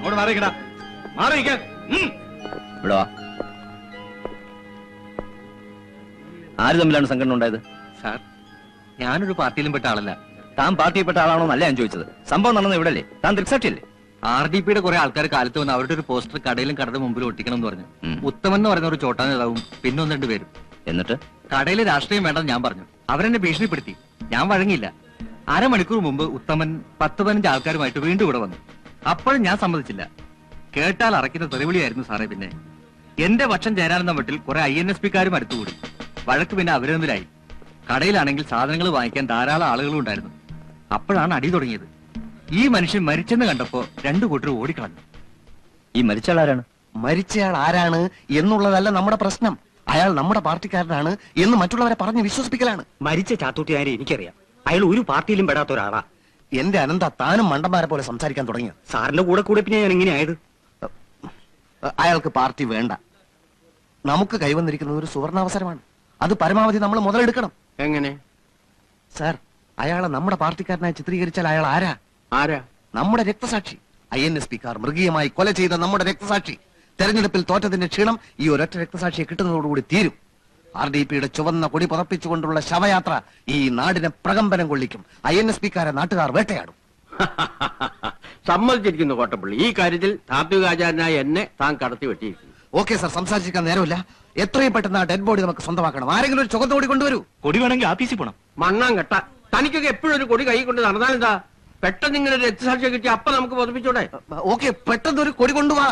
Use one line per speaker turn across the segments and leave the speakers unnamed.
അങ്ങോട്ട് മാറിക്കടാ, മാറിയിരിക്കാൻ.
ഇവിടെ ആര് തമ്മിലാണ് സംഘടന ഉണ്ടായത്?
സാർ, ഞാനൊരു പാർട്ടിയിലും പെട്ട ആളല്ല.
താൻ പാർട്ടിയിൽപ്പെട്ട ആളാണോ എന്നല്ല ഞാൻ ചോദിച്ചത്. സംഭവം നടന്നത് ഇവിടെ അല്ലേ? താൻ ദൃക്സാക്ഷിയല്ലേ?
RDPയുടെ കുറെ ആൾക്കാർ കാലത്ത് വന്ന് അവരുടെ ഒരു പോസ്റ്റർ കടയിലും കടയുടെ മുമ്പിൽ ഒട്ടിക്കണം എന്ന് പറഞ്ഞു. ഉത്തമൻ എന്ന് പറയുന്ന ഒരു ചോട്ടാ നേതാവും പിന്നെ 1-2 പേരും.
എന്നിട്ട്
കടയിൽ രാഷ്ട്രീയം വേണ്ടെന്ന് ഞാൻ പറഞ്ഞു. അവരെന്നെ ഭീഷണിപ്പെടുത്തി. ഞാൻ വഴങ്ങിയില്ല. അരമണിക്കൂർ മുമ്പ് ഉത്തമൻ 10-15 ആൾക്കാരുമായിട്ട് വീണ്ടും ഇവിടെ വന്നു. അപ്പോഴും ഞാൻ സമ്മതിച്ചില്ല. കേട്ടാൽ അറയ്ക്കുന്ന തെറിവിളിയായിരുന്നു സാറേ. പിന്നെ എന്റെ പക്ഷം ചേരാനെന്ന മട്ടിൽ കുറെ INSPക്കാരും അടുത്തുകൂടി. വഴക്ക് പിന്നെ അവരൊന്നിലായി. കടയിലാണെങ്കിൽ സാധനങ്ങൾ വാങ്ങിക്കാൻ ധാരാളം ആളുകളും ഉണ്ടായിരുന്നു. അപ്പോഴാണ് അടി തുടങ്ങിയത്. ഈ മനുഷ്യൻ മരിച്ചെന്ന് കണ്ടപ്പോ 2 കൂട്ടർ ഓടിക്കളഞ്ഞു.
ഈ മരിച്ചയാൾ ആരാണ്?
മരിച്ചയാൾ ആരാണ് എന്നുള്ളതല്ല നമ്മുടെ പ്രശ്നം. അയാൾ നമ്മുടെ പാർട്ടിക്കാരനാണ് എന്ന് മറ്റുള്ളവരെ പറഞ്ഞ് വിശ്വസിപ്പിക്കലാണ്.
മരിച്ച ചാത്തൂട്ടിയാരെ എനിക്കറിയാം. അയാൾ ഒരു പാർട്ടിയിലും പെടാത്ത ഒരാളാ.
എന്റെ അനന്ത, താനും മണ്ടന്മാരെ പോലെ സംസാരിക്കാൻ തുടങ്ങിയ.
സാറിന്റെ കൂടെ കൂടെ പിന്നെ ഞാൻ എങ്ങനെയായത്?
അയാൾക്ക് പാർട്ടി വേണ്ട. നമുക്ക് കൈവന്നിരിക്കുന്നത് ഒരു സുവർണാവസരമാണ്. അത് പരമാവധി നമ്മൾ മുതലെടുക്കണം.
എങ്ങനെ
സാർ, അയാളെ നമ്മുടെ പാർട്ടിക്കാരനായി ചിത്രീകരിച്ചാൽ അയാൾ ആരാ? നമ്മുടെ രക്തസാക്ഷി. INSPക്കാർ മൃഗീയമായി കൊല ചെയ്ത നമ്മുടെ രക്തസാക്ഷി. തെരഞ്ഞെടുപ്പിൽ തോറ്റതിന്റെ ക്ഷീണം ഈ ഒരൊറ്റ രക്തസാക്ഷിയെ കിട്ടുന്നതോടുകൂടി തീരും. RDPയുടെ ചുവന്ന കൊടി പുതപ്പിച്ചുകൊണ്ടുള്ള ശവയാത്ര ഈ നാടിനെ പ്രകമ്പനം കൊള്ളിക്കും. INSPക്കാരെ നാട്ടുകാർ വേട്ടയാടും.
സമ്മതിച്ചിരിക്കുന്നു കോട്ടപ്പള്ളി. ഈ കാര്യത്തിൽ താത്വികാചാരനായ എന്നെ താൻ കടത്തി വെട്ടിയിരിക്കുന്നു.
ഓക്കെ സാർ, സംസാരിച്ചിരിക്കാൻ നേരമില്ല. എത്രയും പെട്ടെന്ന് ആ ഡെഡ് ബോഡി നമുക്ക് സ്വന്തമാക്കണം. ആരെങ്കിലും ഒരു ചുവന്ന കൊടി കൊണ്ടുവരൂ.
കൊടി വേണമെങ്കിൽ ആഫീസിൽ പോണം.
മണ്ണാൻ കെട്ട, തനിക്കൊക്കെ എപ്പോഴും ഒരു കൊടി കൈ കൊണ്ട് നടന്നാലെന്താ? പെട്ടെന്ന് ഇങ്ങനെ രക്തസാക്ഷിയെ കിട്ടി അപ്പൊ നമുക്ക് പൊതിപ്പിച്ചോടെ?
ഓക്കെ, പെട്ടെന്ന് ഒരു കൊടി കൊണ്ടുപോവാ.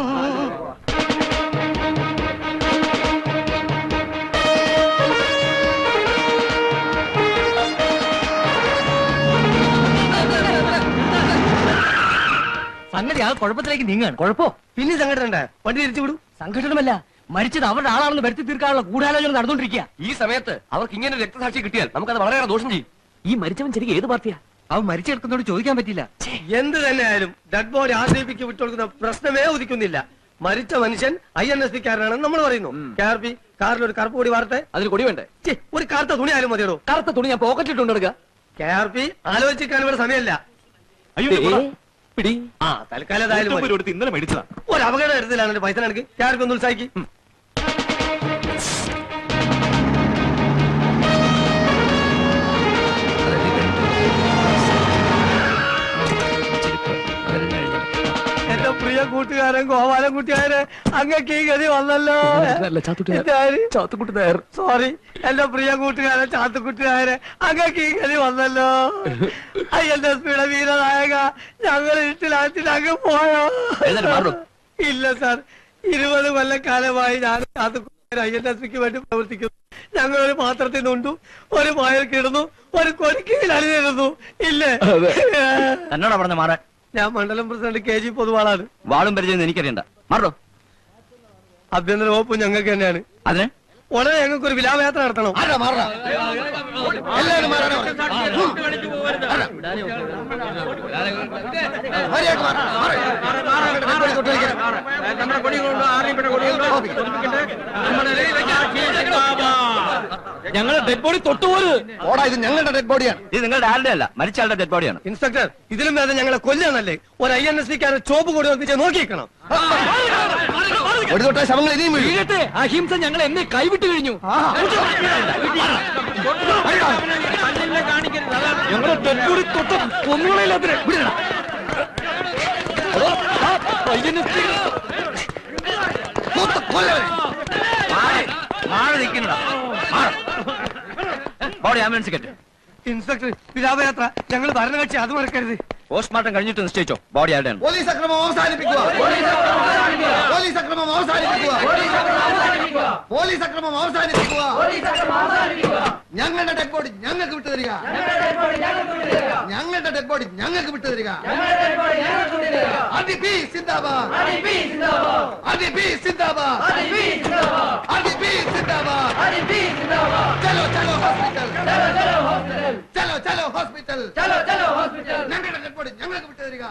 സംഗതി ആ കുഴപ്പത്തിലേക്ക് നീങ്ങാണ്.
കുഴപ്പോ പിന്നെ സംഘടന വണ്ടി തിരിച്ചു വിടും.
സംഘടനമല്ല, മരിച്ചത് അവരുടെ ആളാണെന്ന് വരുത്തി തീർക്കാനുള്ള ഗൂഢാലോചന നടന്നുകൊണ്ടിരിക്കുക.
ഈ സമയത്ത് അവർക്ക് ഇങ്ങനെ രക്തസാക്ഷി കിട്ടിയാൽ നമുക്കത് വളരെയേറെ ദോഷം ചെയ്യും.
ഈ മരിച്ചവൻ ശരിക്കും ഏത് പാർട്ടിയാ? അവൻ മരിച്ചെടുക്കുന്നോട് ചോദിക്കാൻ പറ്റില്ല.
എന്ത് തന്നെയായാലും ഡെഡ് ബോഡി RDPക്ക് വിട്ടുകൊടുക്കുന്ന പ്രശ്നമേ ഉദിക്കുന്നില്ല. മരിച്ച മനുഷ്യൻ INSPക്കാരനാണെന്ന് നമ്മൾ പറയുന്നു. KRP കാറിൽ ഒരു കറുപ്പ് കൊടി വാർത്തെ.
അതിൽ കൊടി വേണ്ടേ?
ഒരു കറുത്ത തുണി ആയാലും മതിയോ?
കറുത്ത തുണി ഞാൻ പോക്കറ്റിട്ടുണ്ട് എടുക്കുക.
KRP ആലോചിക്കാൻ ഇവിടെ സമയമല്ല. തൽക്കാലം
ഇന്നലെ മേടിച്ചതാ.
ഒരു അപകടം എടുത്തില്ല. പൈസ നടക്ക്. KRP ഒന്ന് ഉത്സാഹിക്ക്. എന്റെ പ്രിയ കൂട്ടുകാരൻ ഗോപാലൻകുട്ടിയാരെ അങ്ങക്ക് ഈ ഗതി വന്നല്ലോ. സോറി, എന്റെ പ്രിയ കൂട്ടുകാരൻ ചാത്തുക്കുട്ടിയാരെ അങ്ങക്ക് ഈ ഗതി വന്നല്ലോ. INSPയുടെ വീരനായക, ഞങ്ങൾ ഇട്ടിലാച്ചിട്ട് അങ്ങ് പോയോ? ഇല്ല സാർ, 20 കൊല്ലക്കാലമായി ഞാൻ ചാത്തുക്കുട്ടിയാർ INSPക്ക് വേണ്ടി പ്രവർത്തിക്കുന്നു. ഞങ്ങൾ ഒരു പാത്രത്തിൽ നിന്നുണ്ടു, ഒരു പായൽ കിടന്നു, ഒരു കൊരിക്കയിൽ അണിനിരുന്നു. ഇല്ലേ?
എന്നോടാ പറഞ്ഞ മാറാൻ.
ഞാൻ മണ്ഡലം പ്രസിഡന്റ് KG പൊതുവാളാണ്.
വാളും പരിചയം എനിക്കറിയണ്ട. മാറോ.
ആഭ്യന്തര വകുപ്പ് ഞങ്ങൾക്ക് തന്നെയാണ്.
അതിന്
ഉടനെ ഞങ്ങൾക്ക് ഒരു വിലാപയാത്ര നടത്തണം.
ഞങ്ങളുടെ ഡെഡ് ബോഡി തൊട്ടുപോലും.
ഓടാ, ഇത് ഞങ്ങളുടെ ഡെഡ് ബോഡിയാണ്.
ഇത് നിങ്ങളുടെ ആരുടെ അല്ല, മരിച്ചയാളുടെ ഡെഡ് ബോഡിയാണ്.
ഇൻസ്പെക്ടർ, ഇതിലും വേദം ഞങ്ങളെ കൊല്ലാന്നല്ലേ? ഒരു INSPക്കാരൻ ചോപ്പ് കൂടി ഒന്നിച്ച് നോക്കിക്കണം.
ഒരു തൊട്ട ശവങ്ങൾ ഇനിയും
വീഴട്ടെ. അഹിംസ ഞങ്ങൾ എന്നെ കൈവിട്ട് കഴിഞ്ഞു.
ഞങ്ങളുടെ ഡെഡ് ബോഡി തൊട്ട് കൊന്നുകളയില്ലാത്ത ബോഡി ആംബുലൻസ് കെട്ട്.
ഇൻസ്പെക്ടർ, വിലാപയാത്ര ഞങ്ങൾ ഭരണകക്ഷി, അത് മറക്കരുത്.
പോസ്റ്റ്മോർട്ടം കഴിഞ്ഞിട്ട് നിശ്ചയിച്ചോ ബോഡി ആരുടെയാണ്.
പോലീസ് അക്രമം അവസാനിപ്പിക്കുക. പോലീസ് അക്രമം അവസാനിപ്പിക്കുക. പോലീസ് അക്രമം അവസാനിപ്പിക്കുക. ഞങ്ങളുടെ ഡെഡ് ബോഡി ഞങ്ങൾക്ക് വിട്ടു തരിക. ഞങ്ങളുടെ ഡെഡ് ബോഡി ഞങ്ങൾക്ക് വിട്ടു തരിക. RDP സിന്ദാബാദ്. RDP സിന്ദാബാദ്. RDP സിന്ദാബാദ്. ചലോ ചലോ ഹോസ്പിറ്റൽ. ചലോ ചലോ ഹോസ്പിറ്റൽ. ഞങ്ങളുടെ ഡെഡ് ബോഡി ഞങ്ങൾക്ക് വിട്ടു തരിക.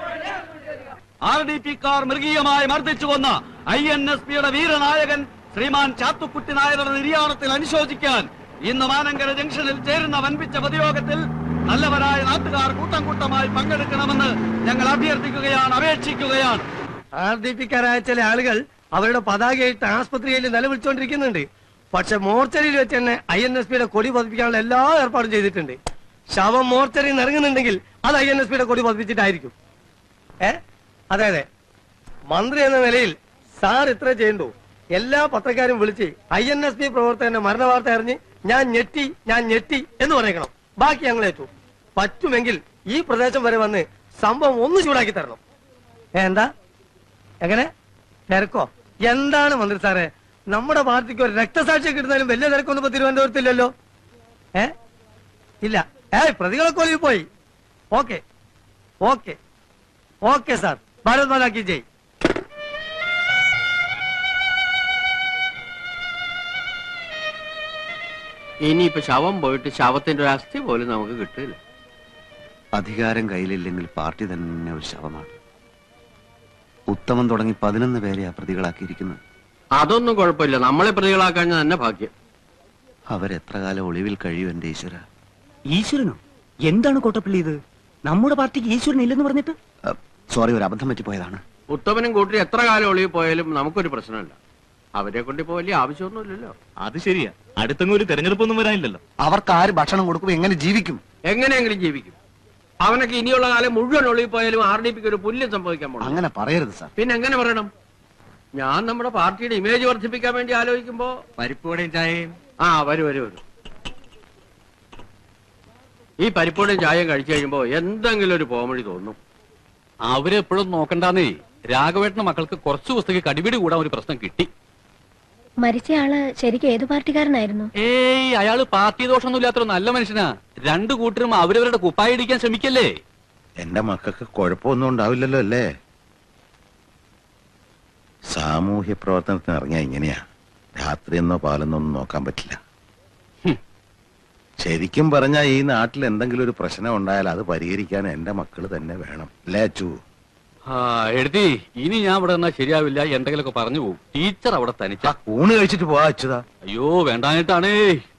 RDPക്കാർ മൃഗീയമായി മർദ്ദിച്ചു കൊന്ന INSPയുടെ വീരനായകൻ ശ്രീമാൻ ചാത്തുക്കുട്ടി നായരുടെ നിര്യാണത്തിൽ അനുശോചിക്കാൻ ഇന്ന് മാനങ്കര ജംഗ്ഷനിൽ ചേരുന്ന വൻപിച്ച പൊതുയോഗത്തിൽ നല്ലവരായ നാട്ടുകാർ കൂട്ടം കൂട്ടമായി പങ്കെടുക്കണമെന്ന് ഞങ്ങൾ അഭ്യർത്ഥിക്കുകയാണ്, അപേക്ഷിക്കുകയാണ്.
ആർഡിപിക്കാരായ ചില ആളുകൾ അവരുടെ പതാകയായിട്ട് ആസ്പത്രിയിൽ നിലവിളിച്ചുകൊണ്ടിരിക്കുന്നുണ്ട്. പക്ഷെ മോർച്ചറിയിൽ വെച്ച് തന്നെ INSPയുടെ കൊടി പതിപ്പിക്കാനുള്ള എല്ലാ ഏർപ്പാടും ചെയ്തിട്ടുണ്ട്. ശവം മോർച്ചറിയിൽ നിന്ന് ഇറങ്ങുന്നുണ്ടെങ്കിൽ അത് INSPയുടെ കൊടി പതിപ്പിച്ചിട്ടായിരിക്കും. അതെ അതെ, മന്ത്രി എന്ന നിലയിൽ സാർ ഇത്ര ചെയ്യണ്ടു. എല്ലാ പത്രക്കാരും വിളിച്ച് INSP പ്രവർത്തകന്റെ മരണ വാർത്ത അറിഞ്ഞ് ഞാൻ ഞെട്ടി എന്ന് പറയണം. ബാക്കി ഞങ്ങൾ ഏറ്റു. പറ്റുമെങ്കിൽ ഈ പ്രദേശം വരെ വന്ന് സംഭവം ഒന്ന് ചൂടാക്കി തരണം. എന്താ എങ്ങനെ തിരക്കോ? എന്താണ് മന്ത്രി സാറേ, നമ്മുടെ പാർട്ടിക്ക് ഒരു രക്തസാക്ഷിയെ കിട്ടുന്നതിലും വലിയ തിരക്കൊന്നും ഇപ്പൊ തിരുവനന്തപുരത്തില്ലല്ലോ. ഇല്ല. പ്രതികളൊക്കെ ഒളിവിൽ പോയി. Okay okay okay sir. Bharat മാതാ കി ജയ്.
ഇനിയിപ്പോ ശവം പോയിട്ട് ശവത്തിന്റെ ഒരു അസ്ഥി പോലും നമുക്ക് കിട്ടില്ല.
അധികാരം കയ്യിലില്ലെങ്കിൽ പാർട്ടി തന്നെ ഒരു ശവമാണ്. ഉത്തമൻ തുടങ്ങി 11 പേരെ ആ പ്രതികളാക്കിയിരിക്കുന്നത്.
അതൊന്നും കുഴപ്പമില്ല, നമ്മളെ പ്രതികളാക്കാൻ തന്നെ ഭാഗ്യം.
അവരെത്ര കാലം ഒളിവിൽ കഴിയും എന്റെ ഈശ്വര.
ഈശ്വരനോ? എന്താണ് കോട്ടപ്പള്ളി ഇത്? നമ്മുടെ പാർട്ടിക്ക് ഈശ്വരൻ ഇല്ലെന്ന് പറഞ്ഞിട്ട്?
സോറി, ഒരു അബദ്ധം പറ്റിപ്പോയതാണ്.
ഉത്തമനും കൂട്ടി എത്ര കാലം ഒളിവിൽ പോയാലും നമുക്കൊരു പ്രശ്നമില്ല. അവരെ കൊണ്ട് ഇപ്പോ വലിയ ആവശ്യമൊന്നുമില്ലല്ലോ.
അത് ശരിയാ, അടുത്തൊന്നും ഒരു തെരഞ്ഞെടുപ്പൊന്നും വരാനില്ലല്ലോ.
അവർക്ക് ആര് ഭക്ഷണം കൊടുക്കും? എങ്ങനെ ജീവിക്കും?
എങ്ങനെയെങ്കിലും ജീവിക്കും. അവനൊക്കെ ഇനിയുള്ള കാലം മുഴുവൻ ഒളിവിൽ പോയാലും RDPക്ക് ഒരു പുല്യം സംഭവിക്കാൻ പോകണം.
അങ്ങനെ പറയരുത് സാർ.
പിന്നെ എങ്ങനെ പറയണം? ഞാൻ നമ്മുടെ പാർട്ടിയുടെ ഇമേജ് വർദ്ധിപ്പിക്കാൻ വേണ്ടി ആലോചിക്കുമ്പോ
പരിപ്പോടെയും ചായയും.
വരൂ. ഈ പരിപ്പോടെയും ചായയും കഴിച്ചു കഴിയുമ്പോ എന്തെങ്കിലും ഒരു പോമഴി തോന്നും.
അവരെപ്പോഴും നോക്കണ്ടെന്നേ. രാഘവേട്ടന്റെ മക്കൾക്ക് കുറച്ചു പുസ്തകം കടിപിടി കൂടാൻ ഒരു പ്രശ്നം കിട്ടി.
മരിച്ചയാള് ശരിക്കും ഏത് പാർട്ടിക്കാരനായിരുന്നു?
അയാള് പാർട്ടി ദോഷമൊന്നും ഇല്ലാത്ത നല്ല മനുഷ്യനാ. രണ്ടു കൂട്ടരും അവരവരുടെ കുപ്പായി ഇടിക്കാൻ ശ്രമിക്കല്ലേ.
എന്റെ മക്കൾക്ക് കുഴപ്പമൊന്നും ഉണ്ടാവില്ലല്ലോ അല്ലേ? സാമൂഹ്യ പ്രവർത്തനത്തിന് ഇറങ്ങിയ ഇങ്ങനെയാ. രാത്രിയെന്നോ പാലെന്നോ ഒന്നും നോക്കാൻ പറ്റില്ല. ശരിക്കും പറഞ്ഞാൽ ഈ നാട്ടിൽ എന്തെങ്കിലും ഒരു പ്രശ്നം ഉണ്ടായാൽ അത് പരിഹരിക്കാൻ എന്റെ മക്കള് തന്നെ വേണം അല്ലേ അച്ചു?
എഴുതി ഇനി ഞാൻ ഇവിടെ നിന്നാ ശരിയാവില്ല. എന്തെങ്കിലുമൊക്കെ പറഞ്ഞു പോകും. ടീച്ചർ അവിടെ തനിച്ച
ഊണ് കഴിച്ചിട്ട് പോവാ അച്ചുതാ.
അയ്യോ വേണ്ടാനിട്ടാണേ.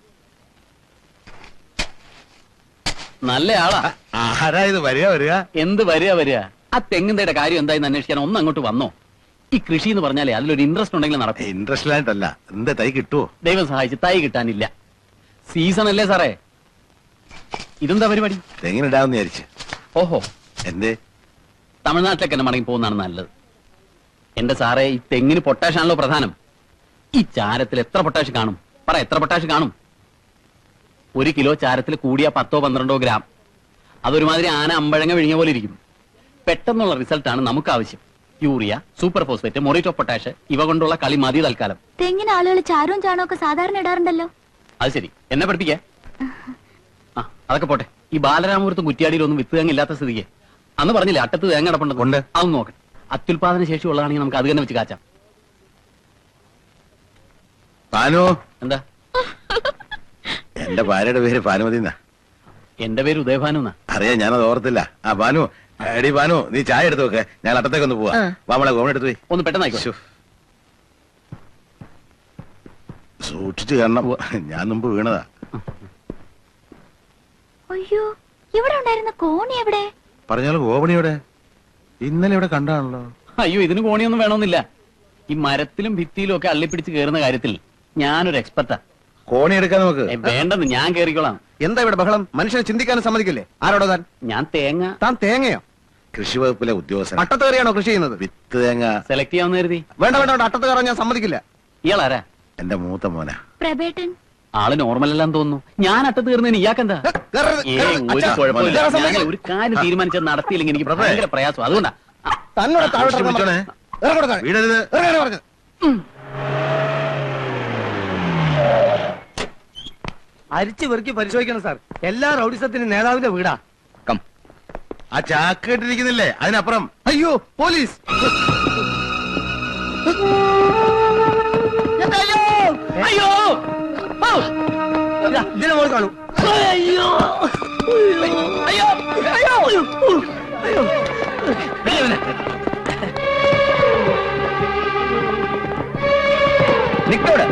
നല്ല ആളാ.
ആരാ ഇത്? വരിക.
എന്ത് വരിക? ആ തെങ്ങിന്റെ കാര്യം എന്തായെന്ന് അന്വേഷിക്കാൻ ഒന്ന് അങ്ങോട്ട് വന്നോ? ഈ കൃഷി എന്ന് പറഞ്ഞാലേ അതിലൊരു ഇൻട്രസ്റ്റ് ഉണ്ടെങ്കിൽ നടക്കും.
ഇൻട്രസ്റ്റ് ആയിട്ടല്ല. എന്താ തൈ കിട്ടുവോ?
ദൈവം സഹായിച്ച് തൈ കിട്ടാനില്ല. സീസൺ അല്ലേ സാറേ? ഇതെന്താ പരിപാടി?
തെങ്ങിനിടാന്ന് വിചാരിച്ച്.
ഓഹോ,
എന്തേ?
തമിഴ്നാട്ടിലേക്ക് തന്നെ മടങ്ങി പോകുന്നതാണ് നല്ലത്. എന്റെ സാറേ, ഈ തെങ്ങിന് പൊട്ടാഷ് ആണല്ലോ പ്രധാനം. ഈ ചാരത്തിൽ എത്ര പൊട്ടാഷ് കാണും? പറ, എത്ര പൊട്ടാഷ് കാണും? 1 കിലോ ചാരത്തിൽ കൂടിയ 10-12 ഗ്രാം. അതൊരുമാതിരി ആന അമ്പഴങ്ങ വിഴിഞ്ഞ പോലെ ഇരിക്കും. പെട്ടെന്നുള്ള റിസൾട്ടാണ് നമുക്ക് ആവശ്യം. Urea, super phosphate, muriate potash ഇവ കൊണ്ടുള്ള കളി മതി തൽക്കാലം.
തെങ്ങിന് ആളുകൾ ചാരവും ചാണവും ഒക്കെ സാധാരണ ഇടാറുണ്ടല്ലോ.
അത് ശരി, എന്നെ പഠിപ്പിക്കേ. അതൊക്കെ പോട്ടെ. ഈ ബാലരാമപുരത്തും കുറ്റിയാടിയിലൊന്നും വിത്ത് തേങ്ങ ഇല്ലാത്ത സ്ഥിതിക്ക് അന്ന് പറഞ്ഞില്ലേ അട്ടത്ത് തേങ്ങ അടപ്പുണ്ട്. അതൊന്നും നോക്കണം. അത്യുൽപാദന ശേഷി ഉള്ളതാണെങ്കിൽ നമുക്ക് അത് തന്നെ വെച്ച് കാച്ചാം.
എന്താ? എന്റെ ഭാര്യയുടെ പേര് ഭാനുമതി എന്നാ.
എന്റെ പേര് ഉദയഭാനു എന്നാ.
അറിയാം, ഞാനത് ഓർത്തില്ല. ഭാനു, എടി ഭാനു, നീ ചായ എടുത്ത് നോക്കെ. ഞാൻ അട്ടത്തേക്കൊന്ന് പോവാ. നമ്മളെ ഗോവൺ എടുത്തു പോയി.
ഒന്ന് പെട്ടെന്നായിക്കോ.
സൂക്ഷിച്ചു കാണണം. ഞാൻ മുമ്പ് വീണതാ.
അയ്യോ, ഇവിടെ ഉണ്ടായിരുന്ന കോണി എവിടെ?
പറഞ്ഞാലും ഗോപണിയുടെ ഇന്നലെ ഇവിടെ കണ്ടാണല്ലോ.
അയ്യോ, ഇതിന് കോണിയൊന്നും വേണമെന്നില്ല. ഈ മരത്തിലും ഭിത്തിയിലും ഒക്കെ അള്ളിപ്പിടിച്ച് കയറുന്ന കാര്യത്തിൽ ഞാനൊരു എക്സ്പെർട്ടാ.
കോണി എടുക്കാൻ നമുക്ക്
വേണ്ടെന്ന്, ഞാൻ കേറിക്കോളാം.
എന്താ ഇവിടെ ബഹളം? മനുഷ്യനെ ചിന്തിക്കാനും സമ്മതിക്കില്ലേ? ആരോടോ താൻ?
ഞാൻ തേങ്ങ.
താൻ തേങ്ങയോ?
കൃഷി വകുപ്പിലെ ഉദ്യോഗസ്ഥൻ.
അട്ടത്ത് കയറിയാണോ കൃഷി ചെയ്യുന്നത്?
വിത്ത് തേങ്ങ
സെലക്ട് ചെയ്യാമെന്ന് കരുതി.
വേണ്ട, അട്ടത്ത് കയറാൻ ഞാൻ സമ്മതിക്കില്ല.
ഇയാളാരാ?
എന്റെ മൂത്ത മോനാ.
പ്രബേട്ടൻ.
ആള് നോർമൽ അല്ലാന്ന് തോന്നുന്നു. ഞാൻ അട്ടത്ത് കയറുന്നതിന് ഇയാക്കെന്താ? ഒരു കുഴപ്പമില്ല. ഞാൻ ഒരു കാര്യം തീരുമാനിച്ചത് നടത്തിയില്ലെങ്കിൽ എനിക്ക് ഭയങ്കര പ്രയാസം. അതുകൊണ്ടാ
വീടരുത്.
അരിച്ചു വെറുക്കി പരിശോധിക്കണം സാർ. എല്ലാ റൗഡിസത്തിന്റെ നേതാവിന്റെ വീടാ.
ആ ചാക്ക് കെട്ടിരിക്കുന്നില്ലേ, അതിനപ്പുറം.
അയ്യോ, പോലീസ്!
അയ്യോ, ഇതിനെ മോൾ കാണൂ. അയ്യോ, അയ്യോ, അയ്യോ, അയ്യോ.
നിക്കോടെ.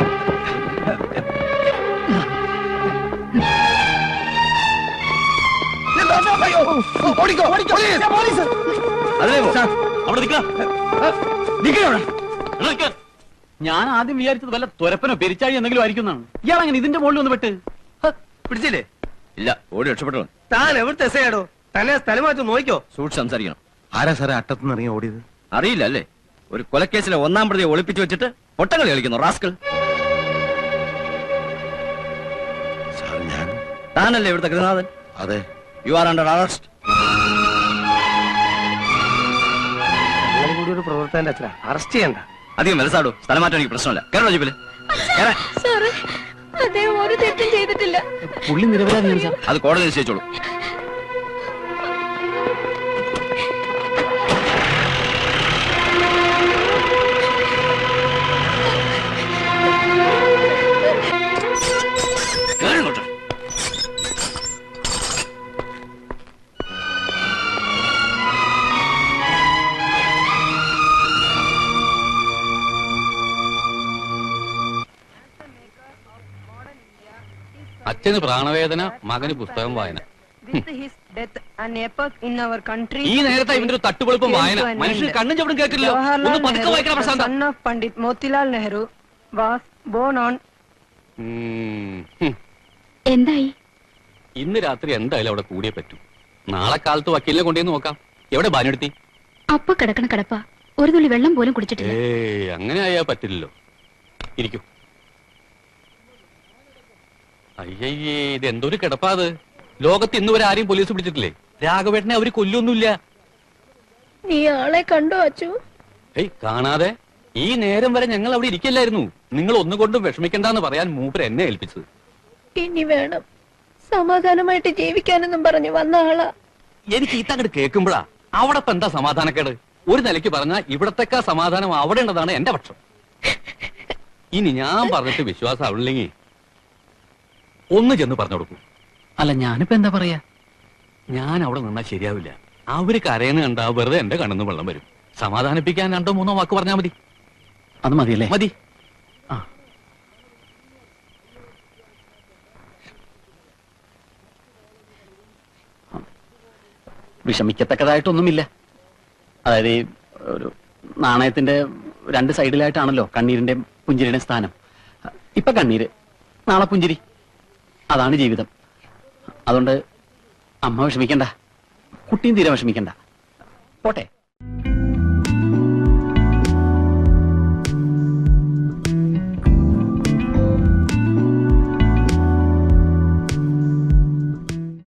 ഓടിക്കോ പോലീസ്.
അവിടെ നിൽക്കാം. ഞാൻ ആദ്യം വിചാരിച്ചത് വല്ല തുരപ്പനോ പെരിച്ചാഴി എന്തെങ്കിലും ആയിരിക്കുന്നതാണ്. ഇയാളങ്ങനെ ഇതിന്റെ മുകളിൽ ഒന്ന് പെട്ട്
പിടിച്ചില്ലേ?
ഇല്ല, ഓടി രക്ഷപ്പെട്ടു.
താൻ എവിടുത്തെ എസയാടോ? തന്നെ സ്ഥലം മാറ്റി നോക്കിക്കോ.
സൂക്ഷിച്ച് സംസാരിക്കണം.
ആരാ സാറേ അട്ടത്തുനിന്ന് ഇറങ്ങി ഓടിയത്?
അറിയില്ല അല്ലേ? ഒരു കൊലക്കേസിലെ 1-ാം പ്രതിയെ ഒളിപ്പിച്ചു വെച്ചിട്ട് പൊട്ടങ്ങളി കളിക്കുന്നു റാസ്കൾ.
സാർ ഞാൻ
താനല്ലേ ഇവിടുത്തെ ഗൃഹനാഥൻ?
അതെ.
You are under arrest.
അങ്ങനെ കൂടി ഒരു പ്രവർത്തകന്റെ അച്ഛനാ അറസ്റ്റ് ചെയ്യണ്ട.
അധികം മനസ്സാടോ, സ്ഥലം മാറ്റാൻ എനിക്ക് പ്രശ്നമില്ല. കേരള ജീപ്പില്
സാറേ അദ്ദേഹം ഒരു തെറ്റും ചെയ്തിട്ടില്ല.
പുള്ളി നിരപരാധിയാണ് സാർ.
അത് കോടതി നിശ്ചയിച്ചോളൂ.
അച്ഛന് പ്രാണവേദന, മകന് പുസ്തകം വായന. ഈ നേരത്തെ ഇവന്റെ ഒരു തട്ടുപൊളിപ്പം വായന. മനുഷ്യന് കണ്ണും ചവിടും കേട്ടില്ല. ഒന്ന് പതുക്കെ വായിക്കണം Prashantha.
Pandit Motilal Nehru was born on.
എന്തായി?
ഇന്ന് രാത്രി എന്തായാലും അവിടെ കൂടിയേ പറ്റൂ. നാളെ കാലത്ത് വക്കീലിനെ കൊണ്ടുവന്ന് നോക്കാം. എവിടെ ബാനെടുത്തി?
അപ്പൊ കിടക്കണ കിടപ്പ. ഒരു തുള്ളി വെള്ളം പോലും കുടിച്ചിട്ടില്ല.
അങ്ങനെ ആയാ പറ്റില്ലല്ലോ. ഇരിക്കൂ. അയ്യയ്യേ, ഇത് എന്തൊരു കിടപ്പാത്. ലോകത്ത് ഇന്നുവരെ ആരെയും പോലീസ് പിടിച്ചിട്ടില്ലേ? രാഘവേട്ടനെ അവര് കൊല്ലൊന്നുമില്ല.
നീ ആളെ കണ്ടോ അച്ചു?
കാണാതെ ഈ നേരം വരെ ഞങ്ങൾ അവിടെ ഇരിക്കല്ലായിരുന്നു. നിങ്ങൾ ഒന്നുകൊണ്ടും വിഷമിക്കണ്ടെന്ന് പറയാൻ മൂപ്പർ എന്നെ ഏൽപ്പിച്ചത്.
ഇനി വേണം സമാധാനമായിട്ട് ജീവിക്കാനെന്നും പറഞ്ഞു വന്ന ആളാ.
എനിക്ക് ഈ തങ്ങട് കേൾക്കുമ്പോഴാ അവിടെ ഇപ്പൊ എന്താ സമാധാനക്കേട്? ഒരു നിലയ്ക്ക് പറഞ്ഞാൽ ഇവിടത്തേക്കാ സമാധാനം അവിടെ ഉള്ളതാണ് എന്റെ പക്ഷം. ഇനി ഞാൻ പറഞ്ഞിട്ട് വിശ്വാസം ആവില്ലെങ്കിൽ ഒന്ന് ചെന്ന് പറഞ്ഞു കൊടുക്കൂ. അല്ല, ഞാനിപ്പോ എന്താ പറയാ? ഞാൻ അവിടെ നിന്നാ ശരിയാവില്ല. അവര് കരയുന്ന കണ്ടാ വെറുതെ എന്റെ കണ്ണിന്ന് വെള്ളം വരും. സമാധാനിപ്പിക്കാൻ 2-3 വാക്ക് പറഞ്ഞാൽ മതി. അത് മതിയല്ലേ? മതി. വിഷമിക്കത്തക്കതായിട്ടൊന്നുമില്ല. അതായത് ഒരു നാണയത്തിന്റെ 2 സൈഡിലായിട്ടാണല്ലോ കണ്ണീരിന്റെ പുഞ്ചിരിയുടെ സ്ഥാനം. ഇപ്പൊ കണ്ണീര്, നാളെ പുഞ്ചിരി. അതാണ് ജീവിതം. അതുകൊണ്ട് അമ്മ വിഷമിക്കണ്ട, കുട്ടിയും തീരെ വിഷമിക്കണ്ട. പോട്ടെ.